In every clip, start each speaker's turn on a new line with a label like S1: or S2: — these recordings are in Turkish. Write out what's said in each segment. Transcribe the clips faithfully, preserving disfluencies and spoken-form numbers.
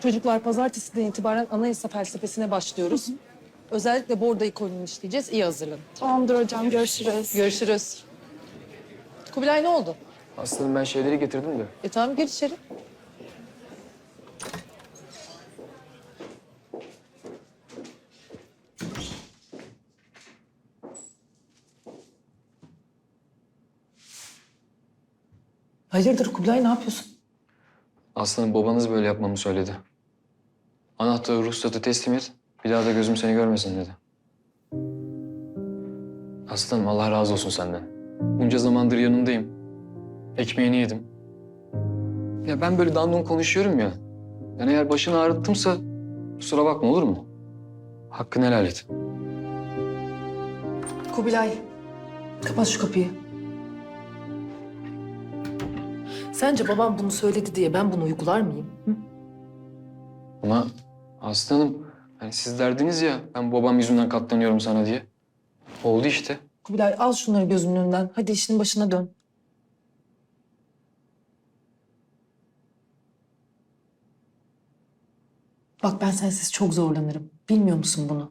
S1: Çocuklar pazartesiden itibaren anayasa felsefesine başlıyoruz. Hı hı. Özellikle borda ikonunu işleyeceğiz. İyi hazırlanın.
S2: Tamamdır hocam, görüşürüz.
S1: Görüşürüz. Kubilay ne oldu?
S3: Aslanım ben şeyleri getirdim de.
S1: E tamam gir içeri. Hayırdır Kubilay ne yapıyorsun?
S3: Aslanım babanız böyle yapmamı söyledi. Anahtarı, ruhsatı teslim et. Bir daha da gözüm seni görmesin dedi. Aslanım Allah razı olsun senden. Bunca zamandır yanındayım. Ekmeğini yedim. Ya ben böyle dandun konuşuyorum ya. Yani eğer başını ağrıttımsa kusura bakma olur mu? Hakkını helal et.
S1: Kubilay kapat şu kapıyı. Sence babam bunu söyledi diye ben bunu uygular mıyım? Hı?
S3: Ama aslanım hani siz derdiniz ya ben babam yüzünden katlanıyorum sana diye. Oldu işte.
S1: Kubilay al şunları gözümün önünden. Hadi işinin başına dön. Bak ben sensiz çok zorlanırım. Bilmiyor musun bunu?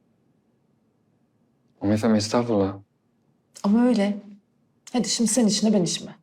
S3: Ama efendim estağfurullah.
S1: Ama öyle. Hadi şimdi sen işine ben işime.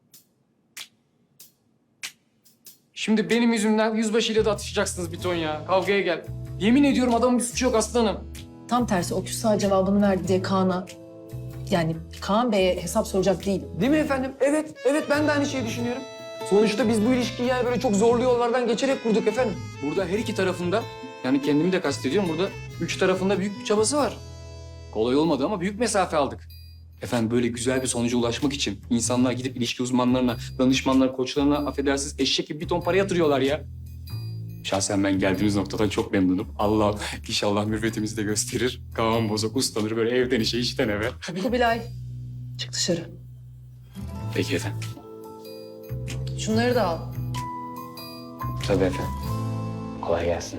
S4: Şimdi benim yüzümden yüzbaşıyla da atışacaksınız bir ton ya. Kavgaya gel. Yemin ediyorum adamın bir suçu yok aslanım.
S1: Tam tersi o küsa cevabını verdi diye Kaan'a... Yani Kaan Bey'e hesap soracak değilim.
S4: Değil mi efendim? Evet, evet ben de aynı şeyi düşünüyorum. Sonuçta biz bu ilişkiyi yani böyle çok zorlu yollardan geçerek kurduk efendim. Burada her iki tarafında, yani kendimi de kastediyorum, burada üç tarafında büyük bir çabası var. Kolay olmadı ama büyük mesafe aldık. Efendim böyle güzel bir sonuca ulaşmak için insanlar gidip ilişki uzmanlarına, danışmanlar, koçlarına affedersiniz eşek gibi bir ton para yatırıyorlar ya. Şahsen ben geldiğimiz noktadan çok memnunum. Allah inşallah mürvetimizi de gösterir. Kaan bozok uslanır böyle evden işe işten eve.
S1: Kubilay çık dışarı.
S4: Peki efendim.
S1: Şunları da al.
S3: Tabii efendim. Kolay gelsin.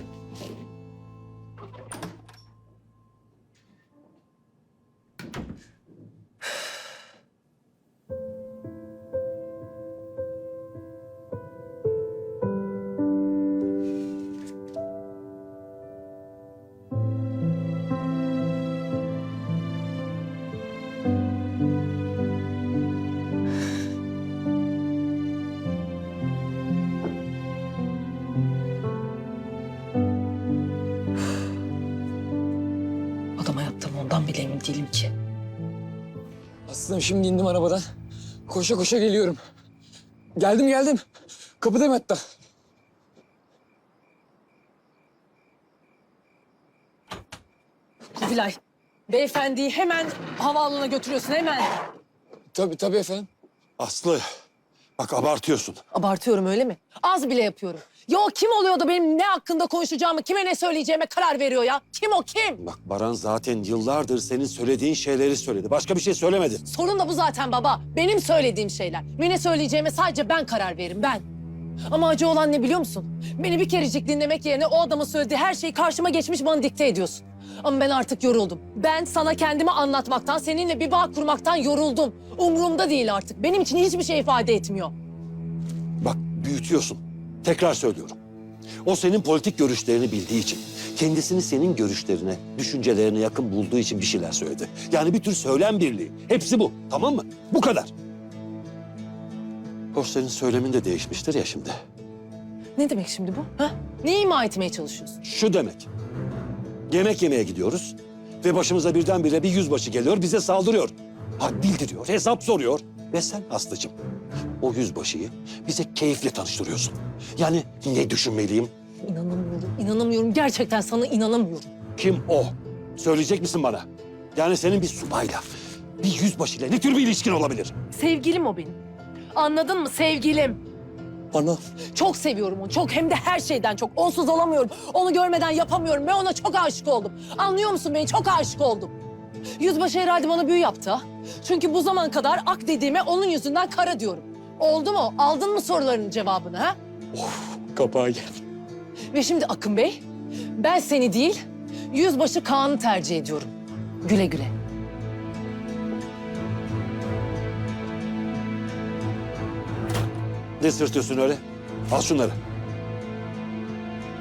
S1: Adama yaptığım ondan bile emin değilim ki.
S4: Aslanım şimdi indim arabadan. Koşa koşa geliyorum. Geldim geldim. Kapıdayım hatta.
S1: Kubilay, beyefendiyi hemen havaalanına götürüyorsun hemen.
S4: Tabii tabii efendim.
S5: Aslı, bak abartıyorsun.
S1: Abartıyorum öyle mi? Az bile yapıyorum. Ya o kim oluyor da benim ne hakkında konuşacağımı, kime ne söyleyeceğime karar veriyor ya? Kim o kim?
S5: Bak Baran zaten yıllardır senin söylediğin şeyleri söyledi. Başka bir şey söylemedi.
S1: Sorun da bu zaten baba. Benim söylediğim şeyler. Ve ne söyleyeceğime sadece ben karar veririm, ben. Ama acı olan ne biliyor musun? Beni bir kerecik dinlemek yerine o adamın söylediği her şeyi karşıma geçmiş bana dikte ediyorsun. Ama ben artık yoruldum. Ben sana kendimi anlatmaktan, seninle bir bağ kurmaktan yoruldum. Umurumda değil artık. Benim için hiçbir şey ifade etmiyor.
S5: Bak büyütüyorsun. Tekrar söylüyorum. O senin politik görüşlerini bildiği için, kendisini senin görüşlerine, düşüncelerine yakın bulduğu için bir şeyler söyledi. Yani bir tür söylem birliği. Hepsi bu. Tamam mı? Bu kadar. Hoş senin söylemin de değişmiştir ya şimdi.
S1: Ne demek şimdi bu? Ha? Ne ima etmeye çalışıyorsun?
S5: Şu demek. Yemek yemeye gidiyoruz ve başımıza birdenbire bir yüzbaşı geliyor, bize saldırıyor. Had bildiriyor, hesap soruyor. Ve sen Aslı'cığım o yüzbaşıyı bize keyifle tanıştırıyorsun. Yani ne düşünmeliyim?
S1: İnanamıyorum, inanamıyorum. Gerçekten sana inanamıyorum.
S5: Kim o? Söyleyecek misin bana? Yani senin bir subayla, bir yüzbaşıyla ne tür bir ilişkin olabilir?
S1: Sevgilim o benim. Anladın mı? Sevgilim.
S5: Ana.
S1: Çok seviyorum onu. Çok, hem de her şeyden çok. Onsuz olamıyorum. Onu görmeden yapamıyorum. Ben ona çok aşık oldum. Anlıyor musun beni? Çok aşık oldum. Yüzbaşı herhalde bana büyü yaptı ha. Çünkü bu zaman kadar ak dediğime onun yüzünden kara diyorum. Oldu mu? Aldın mı sorularının cevabını ha?
S4: Kapağa gel.
S1: Ve şimdi Akın Bey, ben seni değil, Yüzbaşı Kaan'ı tercih ediyorum. Güle güle.
S5: Ne sırtıyorsun öyle? Al şunları.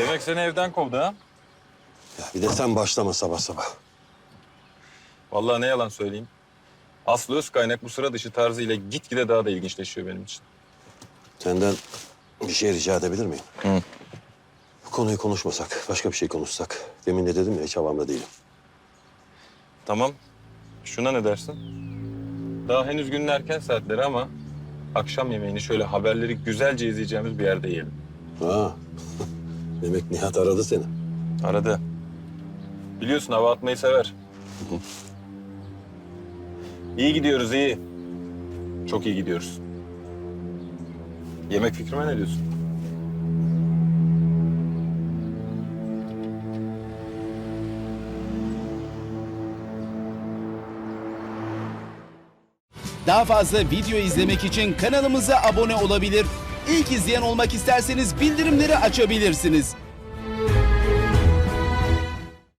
S6: Demek seni evden kovdu ha?
S5: Ya bir de sen başlama sabah sabah.
S6: Vallahi ne yalan söyleyeyim. Aslı Özkaynak bu sıra dışı tarzıyla gitgide daha da ilginçleşiyor benim için.
S5: Senden bir şey rica edebilir miyim?
S6: Hı.
S5: Bu konuyu konuşmasak, başka bir şey konuşsak. Demin de dedim ya, hiç havamda değilim.
S6: Tamam. Şuna ne dersin? Daha henüz günün erken saatleri ama akşam yemeğini şöyle haberleri güzelce izleyeceğimiz bir yerde yiyelim.
S5: Ha. Demek Nihat aradı seni.
S6: Aradı. Biliyorsun hava atmayı sever. İyi gidiyoruz, iyi. Çok iyi gidiyoruz. Yemek fikrime ne diyorsun?
S7: Daha fazla video izlemek için kanalımıza abone olabilir. İlk izleyen olmak isterseniz bildirimleri açabilirsiniz.